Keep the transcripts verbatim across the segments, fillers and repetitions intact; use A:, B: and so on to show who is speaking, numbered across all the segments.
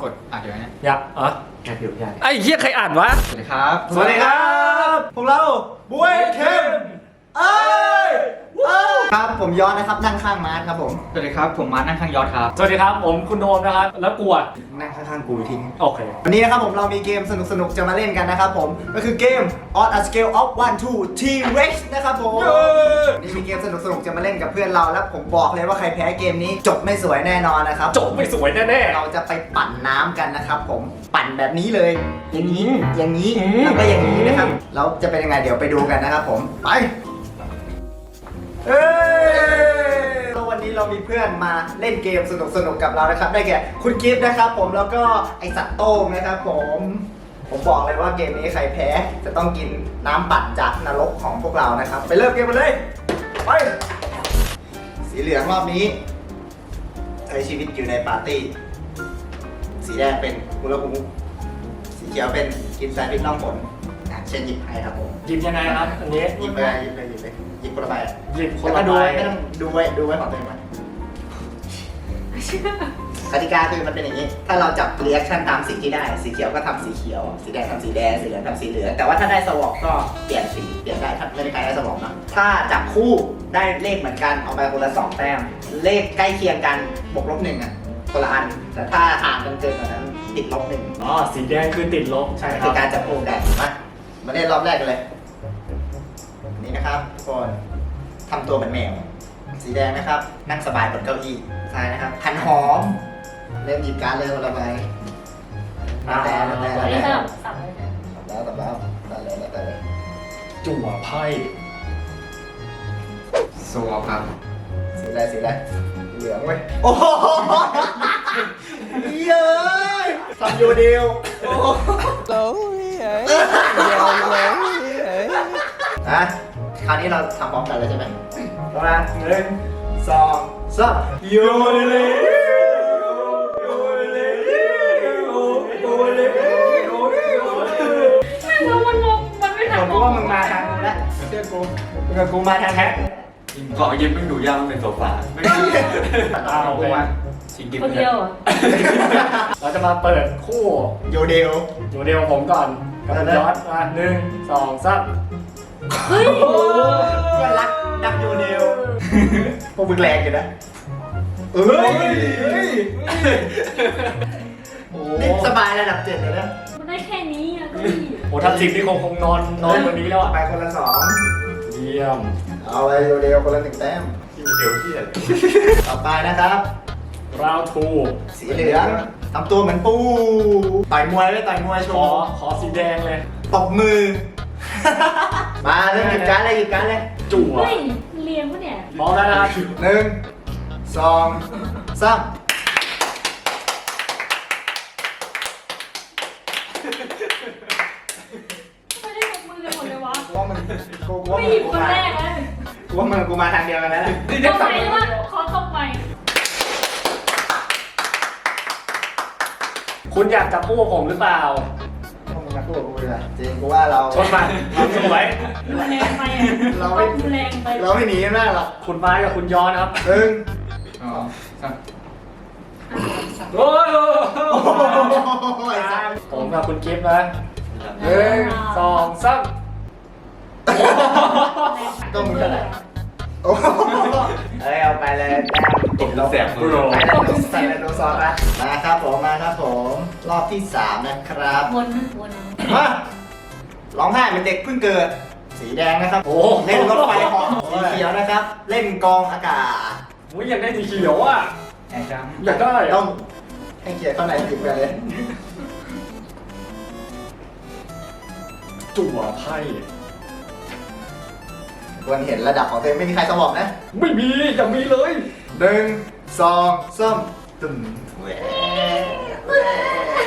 A: กดอ่านเดี๋ยวนะ
B: อยากอ๋อ
A: แอบอยู่ใหญ่
B: ไอ้เหี้ยใครอ่านวะ
A: สวัสดีครับ
C: สวัสดีครับพวกเราบวยเข้มเอ้ยครับผมย้อนนะครับนั่งข้างมาร์ทครับผม
A: สวัสดีครับผมมาร์คนั่งข้างยอดครับ
B: สวัสดีครับผมคุณโดมนะครับแล้วกลัว
C: นั่งข้างๆกูทิ้ง
B: โอเค
C: วันนี้นะครับผมเรามีเกมสนุกๆจะมาเล่นกันนะครับผมก็คือเกม On a Scale of one to T-Rex นะครับผมนี่มีเกมสนุกๆจะมาเล่นกับเพื่อนเราแล้วผมบอกเลยว่าใครแพ้เกมนี้จบไม่สวยแน่นอนนะครับ
B: จบไม่สวยแน่
C: เราจะไปปั่นน้ำกันนะครับผมปั่นแบบนี้เลยอย่างนี้อย่างนี้
B: อืม
C: แล้วก็อย่างนี้นะครับแล้วจะเป็นยังไงเดี๋ยวไปดูกันนะครับผมไปเอ้ยแล้ววันนี้เรามีเพื่อนมาเล่นเกมสนุกๆกับเรานะครับได้แก่คุณกิฟต์นะครับผมแล้วก็ไอสัตว์โต้งนะครับผมผมบอกเลยว่าเกมนี้ใครแพ้จะต้องกินน้ำปั่นจากนรกของพวกเรานะครับไปเริ่มเกมกันเลยไปสีเหลืองรอบนี้ใช้ชีวิตอยู่ในปาร์ตี้สีแดงเป็นมูลคุสีเขียวเป็นกินแซนด์วิชน่องผลอ่ะเช่นหยิบให้ครับผม
B: ๆหยิบยังไงครับอันนี้
C: หยิบเลยหยิบเลยหยิบเลยหยิบคนละใบ
B: หยิบค
C: แล้
B: น
C: วก็
B: ละ
C: ดู
B: ใบ
C: ไว้ไม่ต้องดูไว้ดูไว้ของตัวเองไว้กติกาคือมันเป็นอย่างนี้ ถ้าเราจับเรีแอคชั่นตามสิ่งที่ได้ สีเขียวก็ทำสีเขียว สีแดงทำสีแดง สีเหลืองทำสีเหลือง แต่ว่าถ้าได้สวอปก็เปลี่ยนสี เปลี่ยนได้ ถ้าไม่ได้ใครได้สวอปนะ ถ้าจับคู่ได้เลขเหมือนกันเอาไปคนละสองแต้ม เลขใกล้เคียงกันบวกลบหนึ่งอ่ะคนละอัน แต่ถ้าห่างกันเกินกว่านั้นติดลบหนึ่ง
B: อ๋อสีแดงคือติดลบใช่ค
C: คื
B: รั
C: อบ การจับคู่ได้มามาเล่นรอบแรกกันเลย นี่นะครับทุกคนทำตัวเป็นแมว สีแดงนะครับ นั่งสบายบนเก้าอี้ซ้ายนะครับหันหอม เริ่มหยิบการดเลยคนละใบแล้วแต่แล้วแต่
D: อันนี้
C: แล้ว
D: ส
C: แต่
D: ลับสับเลยนะ
C: แล้วแต่แล้วแต่เลยแล้วแต่เลย
B: จั่วไพ่
A: โซวอลครับ
C: สีอะไรสีอะไรเหลืองเว้ยโอ้โหเย้ยทำอยู่เดียวโอ้โหอ่ะคราวนี้เราทำพร้อมกันเลยใช่ไหมพร้อมนะหนึ่งสองสามโยนเลยโยนเลยโยนเลยโยนเลยโยนเลย
D: ไม่รู้มันงงมันไม่ทัน
C: ผมว่ามึงมาทางกูแล้วเชื่อกูมึงกับกูมาทางแฮก
A: เกาะยิ้มไม่ดูยากมันเป็นโซฟาไม่
B: อ้าวโอเค
A: ชิงกิน
D: คนเดียวเหรอ
B: เราจะมาเปิดคู่
C: โยเดล
B: อยู่เดียวผมก่อนกับคุณยอดมาหนึ่งสองสาม
D: เฮ้ย
C: โอ้เพื่อนรักดักโยเดลพวกมึงแรงอยู่นะเอ้ยนี่สบายระดับเจ็ดเลยนะ
D: มันได้แค่นี้อะก็ดี
B: โอ้ทัพทิมนี่คงคงนอนนอนวันนี้แล้วอ่ะ
C: ไปคนละสอง
B: เยี่ยม
C: เอาไปโยเดลคนละหนึ่งแต้ม
A: เดี๋ยวที่
C: ต่อไปนะครับ
B: ราวทู
C: สีเหลืองทำตัวเหมือนปูต่อยมวยไว้ต่อยมวยโช
B: ขอ
C: ว์
B: ขอสีแดงเลย
C: ตบมือ มาเริ่มหยิบการดเลยหยิบการดเลย
B: จั่ว
D: เฮ้ยเรียงปะเนี่ย
B: พร้อมแล้วนะครับ
C: หนึ่งสองสาม
D: ไม่ได้ยกมือกันหมดเลยวะ
C: กูว่ามึงกูว่า
D: ไม่
C: มึ
D: หยิ
C: ง
D: บ
C: กู
D: คน
C: มา
D: แรกนะ
C: กูว่ามึงกูมาทางเดียวกันแล้วแหละ
D: ตบใหม่หรือว่าขอตบใหม่
B: คุณอยากจับคู่กับผมหรือเปล่า
C: พวกมึงมาพูดกับกูเลยจริงกูว่าเรา
B: ชนมาเราสวย
D: ดูแรงไปอ่ะ
C: เราไม่
D: ดูแรงไป
C: เราไม่หนีกันได้หรอก
B: คุณไม้กับคุณย้อนนะครับ
C: หนึ่ง
A: อ๋อครับ
B: โอ้ย
C: โอ้โหไอ้สัส
B: ผมกับคุณกิฟต์นะหนึ่งสองสาม
C: ก็มึงเท่าไหร่โอ้โหเอ้ยเอาไปเลยแต้มติดลบ
A: แสบมือ
C: ไปแล้วดูใส่แล้วดูซอสนะมาครับผมมาครับผมรอบที่สามนะครับ
D: วนนะวน
C: มาร้องไห้เป็นเด็กเพิ่งเกิด สีแดงนะครับ
B: โอ้
C: เล่นรถไฟเหาะสีเขียวนะครับ เล่นกองอากาศ
B: โอ้ยอยากได้สีเขียวอ่ะ
A: แอบจัง
B: อยากได้
C: ต้
B: อะ
C: องให้เกียรติเข้าในจิบกันเลย
B: จั่วไพ่
C: ควรเห็นระดับของตัวเองไม่มีใครสมองนะ
B: ไม่มีอย่ามีเลย
C: หนึ่งสองสามตึมแหว
D: เอ้ย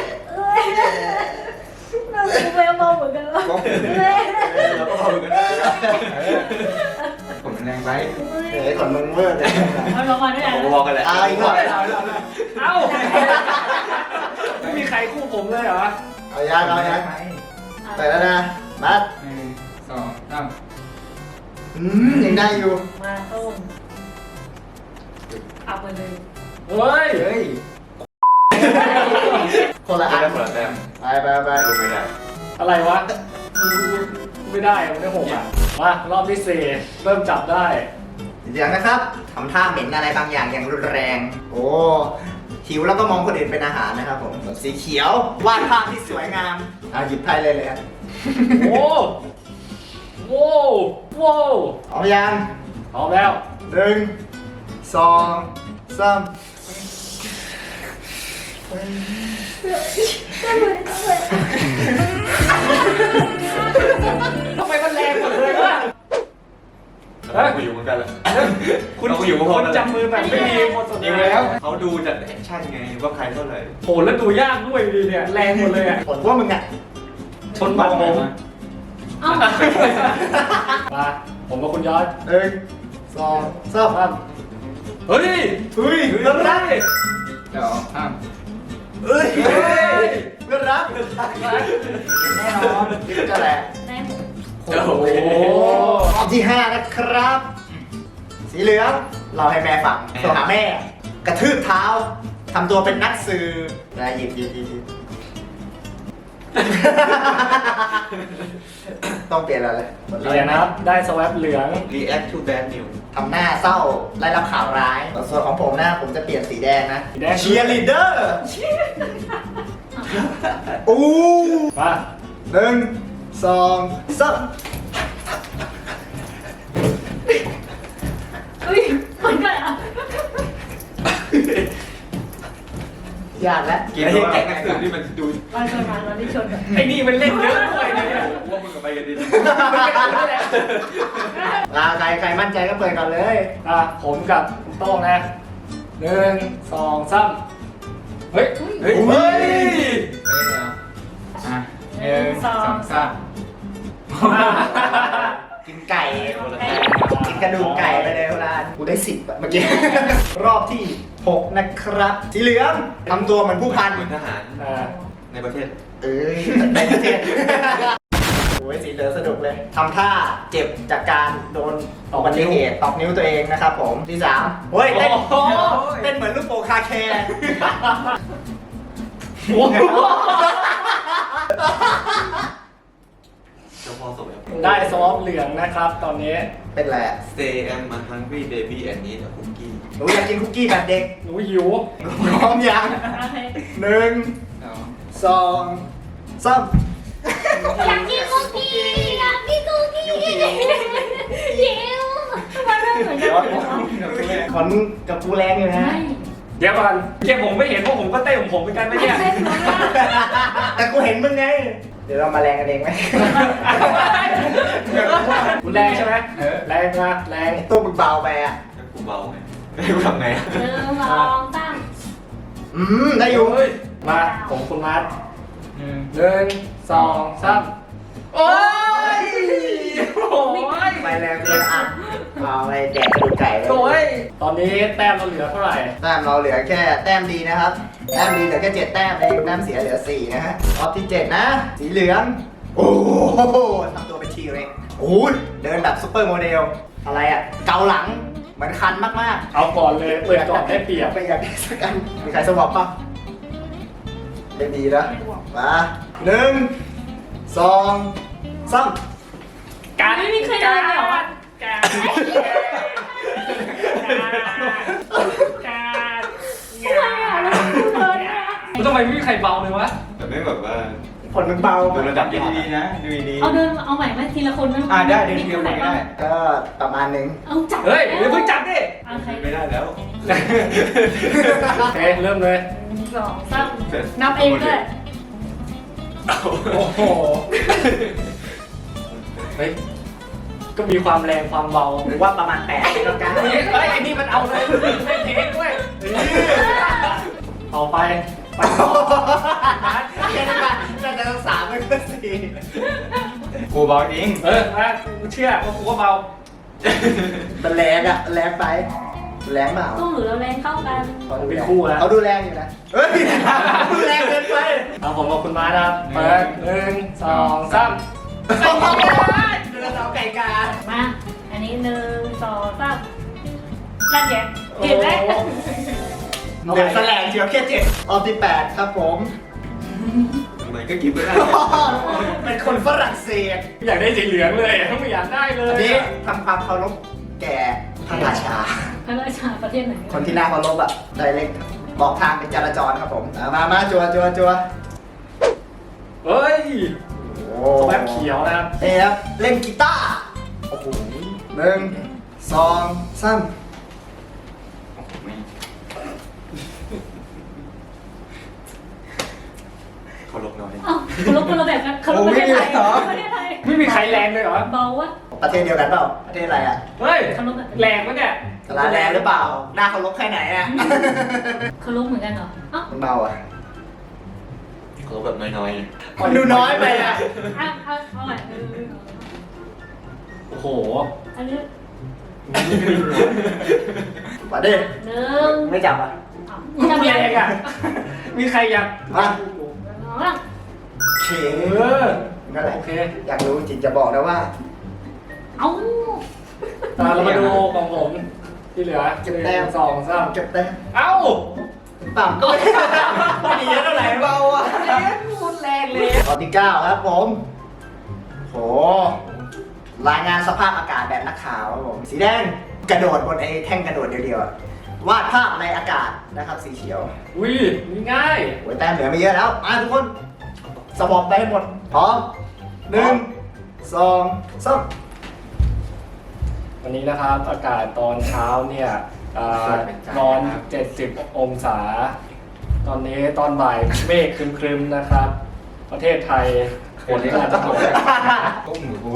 D: เราดูแววมองเหมือนกันแล้ว
C: เราก็พอกันได้
A: ผมแรงไป
C: เฮ้ยขนมึงเวอร์เลย
D: เอาลงมาด้วย
A: ผมก็
D: นะ
A: บอกกันแหละ
C: เอาอีกหน่อย
B: เอ้าไม่มีใครคู่ผมเลยเหรอ
C: เอายางเอายางไปแล้วนะมัด
A: หนึ่งสองสาม
C: อืมยังได้อยู่
D: มาต้มเอาไปเลย
B: เฮ้ย
C: เฮ้ยไปไป
E: ลงไม่ได้
B: อะไรวะ ไม่ได้มันได้หกอ่ะ มารอบที่สี่เริ่มจับได้
C: เดี๋ยวนะครับทำท่าเหม็นอะไรบางอย่างอย่างรุนแรง โอ้หิวแล้วก็มองคนอื่นเป็นอาหารนะครับผมสีเขียววาดภาพที่สวยงามอ่ะหยิบไพ่เลยเลยครับ
B: โอ้โว้โว้
C: เอายัง
B: พร้อมแล้ว
C: หนึ่งสองสาม
B: ทำไมมันแรงหมดเลยวะ
E: เราก็อยู่เหมือนกันแหละ
B: คุณ
E: เราก็อยู่พอ
B: คุณ
E: แล้ว
B: จับมือแบบไม่มีหมดสด
E: อยู่แล้วเขาดูจากแอคชั่นไงว่าใครเท่าไหร่
B: โหแล้วดูยากด้วยดีเนี่ย แรงหมดเลยอ่ะ
C: ผลว่ามึงอ่ะ
B: ชนบัตรผม
D: เอ้า
B: มาผมกับคุณยอด
C: หนึ่งสองสาม
B: สามเฮ้ย
C: เฮ้ย
B: เฮ้
C: เพื่อนรัก
B: ย
A: สองสาม
C: เฮ้ย
B: เฮ้ย
C: เพื่อนรักแน่นอนนี่ก็แหละ
D: แม่หมด
B: โอ้โห
C: รอบที่ห้านะครับ สีเหลืองเราให้แม่ฟังโทรหาแม่ กระทืบเท้าทำตัวเป็นนักสืบนะหยิบหยิบหยิบหยิบต้องเปลี่ยนอะไรเลย
B: เหรียญนะครับ ได้สวปเหลือง
E: React to bad news
C: ทำหน้าเศร้าไล่รับข่าวร้ายส่วนของผมนะผมจะเปลี่ยนสีแดงนะ
B: สีแดง
C: เชียร์ลีดเดอร์อู้
B: มา
C: หนึ่งสองสาม
D: เฮ้ยมันก็อ่ะ
C: ยากแล้ว
E: เกมที่แก๊งนักสืบที่มันดู
D: ไปไปมาเราได้ชนกัน
B: ไอ้นี่มันเล่นเยอะด้วยนะเนี่ย
E: ว่ามึงกับไปกันดี
C: ลาใครใครมั่นใจก็เปิดก่อนเลย
B: อ่ะผมกับคุณโต้งนะหนึ่งสองสามเฮ้ย เฮ้ย
C: เฮ้ย
A: เฮ้ยเดี๋ยวอ่ะหนึ่งสองสาม
C: กินไก่กินกระดูกไก่ไปเลยเวลากูได้สิบอะเมื่อกี้ รอบที่หกนะครับสีเหลืองทำตัวเหมือนผู้พัน
E: เหมือนทหาร
B: อ่า
E: ในประเทศ
C: เอ้ยในประเทศโอ้ยสีเหลืองสนุกเลยทำท่าเจ็บจากการโดนอุบัติเหตุตอกนิ้วตัวเองนะครับผมที่สามเฮ้ยเต้นเต้นเหมือนลูกโป่งคาแคร์
B: โอ้โห
E: เจ้าพ่อสมัย
B: ได้สวอปเหลืองนะครับ ตอนนี้
C: เป็นไรอะ
E: Stay am a hungry baby and need a cookie
C: หนูอยากกินคุกกี้แบบเด็ก
B: หนูหิว
C: พร้อมยัง
D: โอเค
C: หนึ่ง
A: สอง
C: สองสาม
D: อยากกินคุกกี้อยากกินคุกกี้หิวมันไม่เหมือนกันเลย
C: ขอนมึงกับกูแรงอยู่นะ
D: ไม่
B: เดี๋ยวก่อนเกมผมไม่เห็นพวกผมก็เต้นของผมเหมือนกันนะเนี่ย
D: ไม่เหมือนกัน
C: แต่กูเห็นมึงไง เดี๋ยวเรามาแรงกันเองไหม
B: คุณแรงใช่ไหมแรงนะแรง
C: ตัวมึงเบาไปอ่ะ
E: แล้วกูเบาไงแล้วกูทำไงอะ
D: หนึ่งสองสาม
C: อืมได้อยู่
B: เฮ้ยมาผมคุณมาร์ท
A: หนึ่ง
B: หนึ่งสองสามโอ้ยโอ้ย
C: ไปแรงเกินอ่ะเอาไปแดกกระดูกไก่เลย
B: โอ้ยตอนนี้แต้มเราเหลือเท่าไหร่
C: แต้มเราเหลือแค่แต้มดีนะครับ แต้มดีเหลือแค่เจ็ดแต้มเองแต้มเสียเหลือสี่นะฮะรอบที่เจ็ดนะ สีเหลือง โอ้โหทำตัวเป็นทีเร็กโอ้ยเดินแบบซุปเปอร์โมเดล อะไรอ่ะ เกาหลัง เหมือนคันมากๆ
B: เอาก่อนเลยเปิดก่อนได้เปรียบ
C: ไปอยากได้สักอันมีใครสวอปป่ะได้ดีนะมาหนึ่งสองสาม
B: การ
D: ไม่มีใครเลยเหรอ
B: การการ
D: ทำไมอ่ะแล้วกูเดินอ่ะ
B: ทำไมไม่มีใครเบาเลยวะ
E: แต่ไม่แบบว่า
C: ผลมึงเบา
E: ดูระดับ
A: ดูดีๆนะดูดีๆ
D: เอาเดินเอาใหม่ไหมทีละคนไหม
A: อ่าได้เดินทีละคนก็ได้
C: ก็ประมาณหนึง
D: เอาจับ
B: เฮ้ยเดี๋ยวเพิ่งจับดิ
D: เอาใคร
E: ไม่ได้แล้ว
B: โอเคเริ่มเลย
D: หนึ่งสองสามนับเองด้วย
B: โอ้โหเฮ้ยก็มีความแรงความเบา
C: หรือว่าประมาณแปดแล้วกัน
B: เฮ้ยเฮ้ยไอ้นี่มันเอาเลยเล่นเองด้วยต่อไปไปต่อ
C: แค่นั้นแหละแต่จะต้องสามไม่ก็สี่
A: กูเบาจริง
B: เออมากูเชื่อว่ากูก็เบา
C: มันแรงอ่ะแรงไปแรงเปล่า
D: ตู้หรือเราแรงเข้ากัน
B: ผมเป็นคู่แล้ว
C: เขาดูแรงอยู่นะเฮ้ยดูแรงเกินไป
B: เอาผมกับคุณมานะครับเปิดหนึ่งสองสาม
C: เดินเอาไก่กา
D: มา อันนี้หนึ่งสองสามนั่นแหละเห็นไหม
C: เดี๋ยวแสลงเชียวแค่เจ็ดออฟที่แปดครับผม
E: มไมก็กินไม่ได้
C: เป็นคนฝรั่งเศส
B: อยากได้สีเหลืองเลยไม่อยากได้เลย
C: อันนี้ทำความเคารพแก่พระราชา
D: พระราชาประเทศไหน
C: คนที่น่าเคารพอ่ะไดเรกบอกทางเป็นจราจรครับผมอ่ะมามาจัวจัวจัว
B: เฮ้ย
C: โอ้
B: แป๊บเขียวนะครับ
C: เอ๊ะครับเล่นกีตาร์โอ้โหหนึ่งสองสาม
E: เขาลบน้อย
D: อ้าวเคารพคนละแบบกันเคารพประเทศไทยประเทศไทย
B: ไม่มีใครแรงเลยเหรอ
D: เบาวะ
C: ประเทศเดียวกันเปล่าประเทศอะไรอ่ะ
B: เฮ้ย
D: เคารพแบบ
B: แรงปะเนี่ย
C: สาราแดงหรือเปล่าหน้าเคารพแค่ไหนอ่ะ
D: เคารพเหมือนกันเหรออ้าว
C: คุณเบาอ่ะ
E: เขาลบแบบน้อย
C: มันดูน้อยไปอ่ะ
D: เอาเอาเอาใหม่เออ
B: โอ้โห
D: อันนี้
C: มาดิ
D: หนึ่ง
C: ไม่จับอ่ะ
D: อ้าว
B: มี
D: จะ
B: อะไร
D: มี
B: อีกอ่ะมีใครอยาก
C: มา
D: เอาละ
C: เข
B: เออ
C: นั่นแหละ
B: โอเค
C: อยากรู้จริงจะบอกนะว่า
D: เอา
B: ตาเรามาดูของผมที่เหลือ
C: เก็บแต้ม
B: หนึ่งสองสาม
C: เก็บแต้ม
B: เอ้า
C: ต่ำก็ไม่ไม่ดีเท่าไหร่เบาอ่ะ
B: พูดแรงเลย
C: ข้อที่เก้าครับผม โห รายงานสภาพอากาศแบบนักข่าวครับผม สีแดงกระโดดบนไอ้แท่งกระโดดเดียวๆอะวาดภาพในอากาศนะครับ สีเขียว
B: อุ้ยนี่ง่าย
C: โอ้ยแต้มเหลือไม่เยอะแล้ว มาทุกคน สมองไปให้หมด พร้อมหนึ่งสองสาม
B: วันนี้นะครับอากาศตอนเช้าเนี่ยอ่านอน เจ็ดสิบ องศา ตอนนี้ตอนบ่ายเมฆครึมๆนะครับ ประเทศไทยฝนก็อาจจะตก
E: ๆก้มหนูกู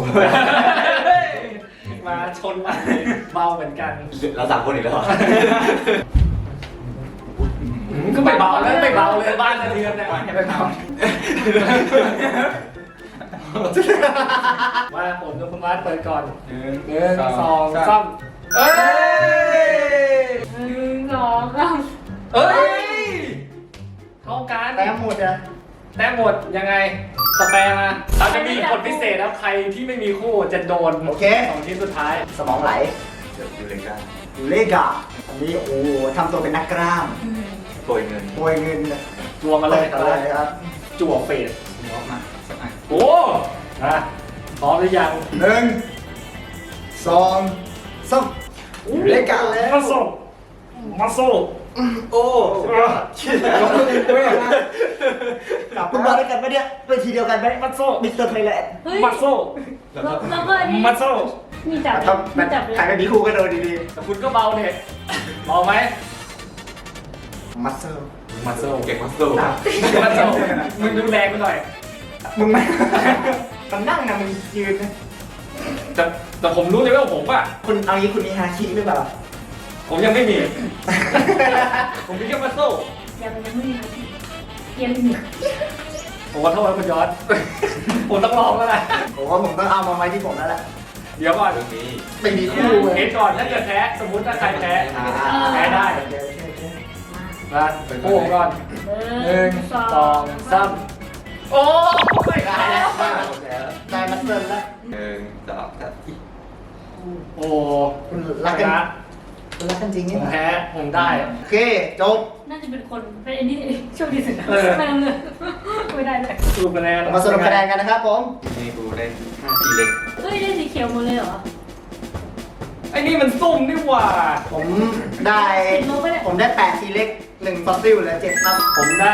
B: มาชนมาเบาเหมือนกัน
E: เราสามคนอีกแล้ว
B: ก็ไม่เบาแล้วไม่เบาเลยบ้านสะเทือนเนี่ย
C: ไม่เบา
B: มาผมกับคุณมาร์ทเปิดก่อน
A: หนึ่ง
B: หนึ่งสองสามเอ้ย
D: หนึ่งสองสาม
B: เอ้ยเท่ากัน
C: แต้มหมดอ่ะ
B: แต้มหมดยังไงสแปรมาเราจะมีกฎพิเศษนะใครที่ไม่มีคู่จะโดน
C: โอเค
B: สองทีมสุดท้าย
C: สมองไหล
E: เดี๋ยวดูเลยกัน
C: อยู่เลกอะอันนี้โอ้โหทำตัวเป็นนักกล้าม
E: โปรยเงิน
C: โปรยเงินเลย
B: รวมมาเลย
C: ต่อเลยครับ
B: จั่วเฟส
A: เดี๋ยวออกมาสักอัน
B: โอ้นะพร้อมหรือยัง
C: หนึ่งสองสามเลกอะแล้ว
B: มาโซ่มาโซ่
E: โอ้
C: กลับคุณมาด้วยกันไหมเนี่ยเป็นทีเดียวกันไหม
B: มาโซ่
C: มิสเตอร์ไทยแลนด์
D: เฮ้ย
B: มาโซ่
D: แล้วแล้วก็อันนี้
B: มาโซ่
D: มีจับ
C: ถ้า
D: มีจับเลย
C: ใครไม่มีคู่ก็โดนดี
B: แต่คุณก็เบาเนี่ยเบาไหม
C: ๆมัสเซล
B: มาโซ่
E: เก่งมากสู้
B: มาโซ่มึงดูแรงไปหน่อย
C: มึงไม่ มันนั่งนะมึงยืนนะ
B: แต่แต่ผมรู้เลยว่าผมอ่ะ
C: คุณเอางี้คุณมีฮาคิหรือเปล่า
B: ผมยังไม่มี ผมมีแค่มาโซ่
D: ยังยังไม่มีนะเกมหนึ่ง
B: ผมขอโทษนะคุณยอด ผมต้องลองแล้วแหละ
C: ผมว่าผมต้องเอามาไว้ที่ผมแล้วแหละ
B: เดี๋ยวก่อน
E: เรื่องนี้
C: ไม่มีคู่เลย
B: เทสก่อนถ้าเกิดแพ้สมมติถ้าใครแพ้
C: อ่า
B: แพ้ได้
C: โอเคโอเคโอเค
B: นะโอ้ก่อน
D: ห
B: หนึ่งสองสามโอ้ไม่
C: ได้
B: ได้
C: แล้ว
B: แล้ว
C: ได้มัสเซลแล้ว
E: หนึ่งสองสาม
B: โอ้
C: คุณรักกัน
B: ชะ
C: คุณรักกันจริง
B: ผ
C: นี่
B: มแพ้ผมได้
C: โอเคจบ
D: น่าจะเป็นคนเป็นไอ้นี่โชคดีสุดนะ
B: เออ
D: ไม่เอาเลยไม่ได้เลย
B: สรุปคะแนน
C: มาสรุปคะแนนกันนะครับผม
E: นี่กูได้ห้าทีเล็ก
D: เฮ้ยได้สีเขียวหมดเลยเหรอ
B: ไอ้นี่มันซุ่มนี่หว่า
C: ผมได้
D: ลบไปเลย
C: ผมได้แปดทีเล็กหนึ่งฟอสซิลเหลือเจ็ดครับ
B: ผมได้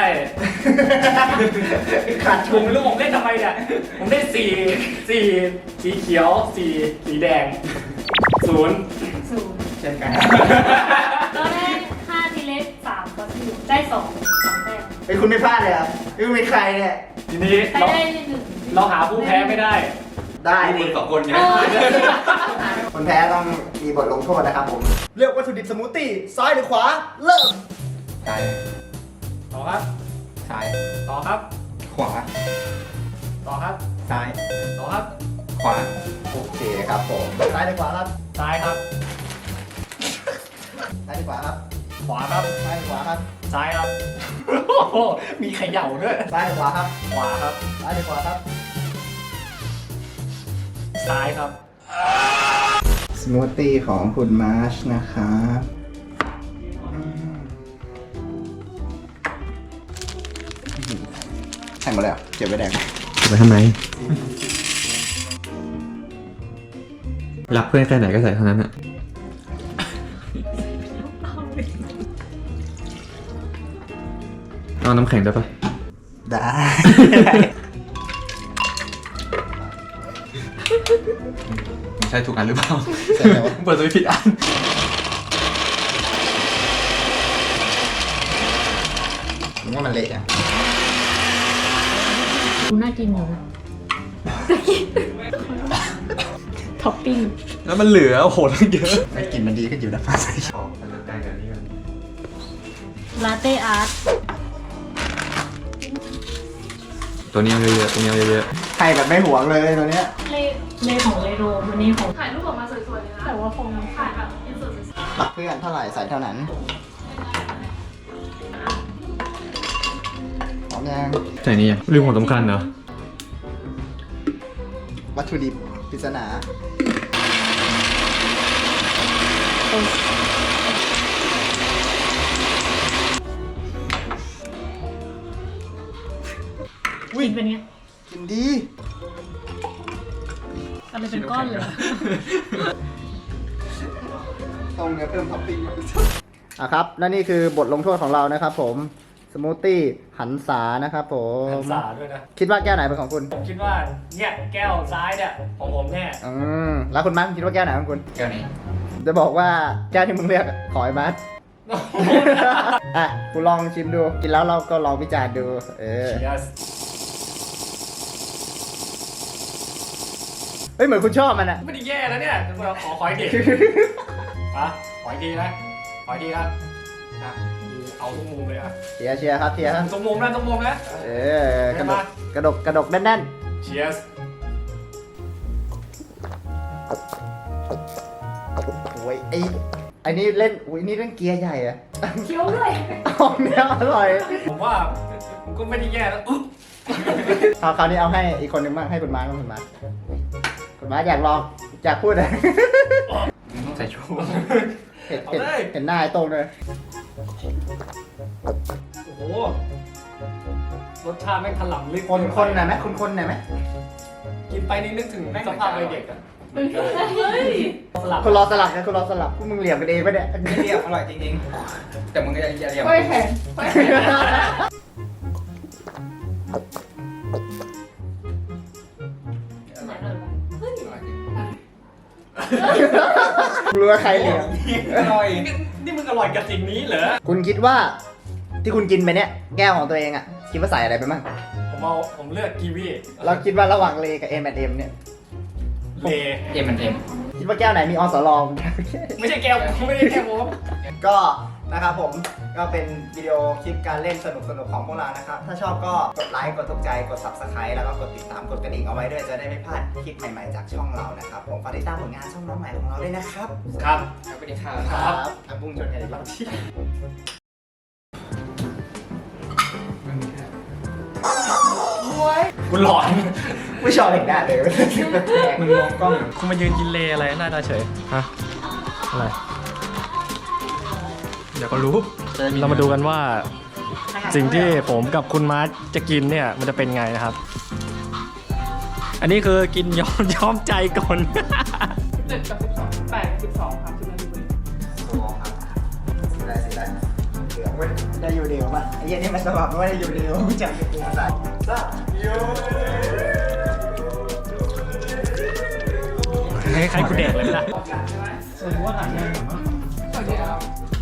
C: ขาด
B: ผ
C: ทุ
B: ม
C: น
B: ไม่รู้ผมได้ทำไมเนี่ย ผมได้สี่สี่สีเขียวสี่สีแดงศูนย์
D: ศูนย์
C: เช่นกัน
D: เราได้ห้าทีเล็กสามก็คือได้สองสองแต้ม
C: ไอ้ยคุณไม่พลาดเลยเหรอ่ะคุณเป็นใครเนี่ย
B: ทีนี้
D: ใคร
B: เรา
D: ได้หนึ่ง
B: เราหาผู้แพ้ไม่ได้
C: ได้
E: คุ
C: ดิ
E: ณสองคนไง
D: เออ
C: คนแพ้ต้องมีบทลงโทษนะครับผมเลือกวัตถุดิบสมูทตี้ซ้ายหรือขวาเริ่ม
A: ซ้าย
B: ต่อครับ
A: ซ้าย
B: ต่อครับ
A: ขวา
B: ต่อครับ
A: ซ้าย
B: ต่อครับ
A: ขวา
C: โอเคครับผมซ้ายหรือขวาครับ
B: ซ้ายครับ
C: ซ้ายหรือขวาครับ
B: ขวาครับ
C: ซ้ายหรือขวาครับ
B: ซ้ายครับ โอ้โหมีเขย่าด้วย
C: ซ้ายหรือขวาครับ
B: ขวาครับ
C: ซ้ายหรือขวาครับ
B: ซ้ายครับ
C: สมูทตี้ของคุณมาร์ชนะครับแข่งหมดเลยเหรอเก็บไว้แดง
A: ไปทำไมรักเพื่อนแค่ไหนก็ใส่เท่านั้นอะเอาน้ำแข็งได้ปะ
C: ได้
E: ใช่ถูกอันหรือเปล่า
C: ใช่ไหมวะ
E: เปิดตัวผิดอัน
C: ผมว่ามันเละอ่ะ
D: ดูน่ากินอยู่นะท็อปปิ้ง
A: แล้วมันเหลือโอ้โหตั้งเยอะ
C: ไม่กลินมันดีขึ้นอยู่นะฟ้าใส
E: ขอมันจะได้กับนี้กัน
D: ลาเต้อาร์ต
A: ตัวนี้เอาเยอะๆตัวนี้เอาเยอะ
C: ให้แบบไม่หวงเลยตัวเนี้ย
D: เลเลของเลโรมันนี่ของ
F: ถ่ายรูปออกมาสวยๆเลยนะ
D: แต่ว่าคง
F: ถ่ายแบบอินเสิร์ตสวย
C: รักเพื่อนเท่าไหร่ใส่เท่านั้นพร้อมยัง
A: ๆใส่นี่ยังลืมของสำคัญเหรอ
C: วัตถุดิบปริศนา
D: กินเป็นไง
C: กินดี
D: อะไรเป็นก้อนเลย
C: ต้องเพิ่มท็อปปิ้งอ่ะครับและนี่คือบทลงโทษของเรานะครับผมสมูทตี้หันษานะครับผม
B: หันษาด้วยนะ
C: คิดว่าแก้วไหนเป็นของคุณ
B: ผมคิดว่าเนี่ยแก้วซ้ายเนี่ยของผมแน่
C: อืมแล้วคุณมัดคิดว่าแก้วไหนของคุณ
E: แก้วนี้
C: จะบอกว่าแก้วที่มึงเลือกขอไอ้มัด อ่ะคุณลองชิมดู กินแล้วเราก็ลองวิจารณ์ดู เออ
B: Cheers
C: เฮ้ยเหมือนคุณชอบมันอะ
B: ไม่ได้แย่แล้วเนี่ยเราขอขออีกทีอ่ะขออีกทีนะขออีกทีนะอ่ะเอาทุกมุมเลยอ่ะ
C: เชียร์เชียร์ครับเชียร์ครับ
B: ทุกมุมนะทุกมุมนะ
C: เออกระดกกระดกกระดกแน่น
B: Cheers
C: ๆโอ้ยไอ้ไอ้นี่เล่นอุ้ยนี่เล่นเกียร์ใหญ่อะ
D: เคี้ยวด้วย
C: เอาเนี้ยอร่อย
B: ผมว่ามันก็ไม่ได้แย่แล้วอุ๊บ
C: เอาคราวนี้เอาให้อีกคนนึงบ้างให้คุณมาร์คบ้างคุณมาร์คคุณมาร์คอยากลองอยากพูดอะ
E: ต้องใส่ชู
C: เห็นเห็นเห็นหน้าไอ้โต้งเลย
B: โอ้โหรสชาติแม่งถล่ำลึก
C: คนคนหน่อยไหมคุณคนหน่อยไหม
B: กินไปนี่นึกถึงสภาพวัยเด็กอะ
D: เฮ้ย
B: สลับ
C: คุณรอสลับนะคุณรอสลับพวกมึงเหลี่ยมกันเองปะเนี่ย
E: ไม่เรียบอร่อยจริงๆ แต่มึงก็อย่าอย่าเรียบ
D: เฮ้ยแข็งเฮ้ยแข็ง
C: รู้ว่าใครเหลี่ยม
E: อร่อย
B: นี่มึงอร่อยกับสิ่งนี้เหรอ
C: คุณคิดว่าที่คุณกินไปเนี่ยแก้วของตัวเองอะคิดว่าใส่อะไรไปบ้าง
B: ผมเอาผมเลือกกีวี
C: เราคิดว่าระหว่างเลกับเอ็มแอนเอ็มเนี่ย
B: เล
E: เอ็มมันเอ็ม
C: คิดว่าแก้วไหนมีอสลอง
B: ไม่ใช่แก้วไม่ได้แก้วผม
C: ก็นะครับผมก็เป็นวิดีโอคลิปการเล่นสนุกๆของพวกเรานะครับ ถ้าชอบก็กดไลค์กดถูกใจกด ซับสไครบ์ แล้วก็กดติดตามกดกระดิ่งเอาไว้ด้วยจะได้ไม่พลาดคลิปใหม่ๆจากช่องเรานะครับผมฝากติดตามผลงานช่องน้องใหม่ของเราด้วยนะครับ
B: ครับ
E: ครับสวัสดีค่ะ
B: ครับ
C: อ่ะพุ่งชนกันอีกรอบที่
B: คุณหลอน
C: ไม่ชอบเด็กได้เลย
B: มึงมองกล้องคุณมายืนกินเลอะไรหน้าตาเฉยฮะอะไรเดี๋ยวก็รู้เรามาดูกันว่า สิ่งที่ผมกับคุณมาร์ทจะกินเนี่ยมันจะเป็นไงนะครับ อันนี้คือกินยอมยอมใจก่อน
F: เจ็ดกับสิบสองแปดกับสิบสองครับสิบนาที
C: ได้สิได้เหลืองเว้ยได้อยู่เดียวป่ะไอ้เหี้ยนี่มันสบับไม่ได้อยู่เดียวกูจับกับกูใส่ซ่าโย
B: ให้ใครกูแดกเลยล่ะ
F: สวัสดีครับ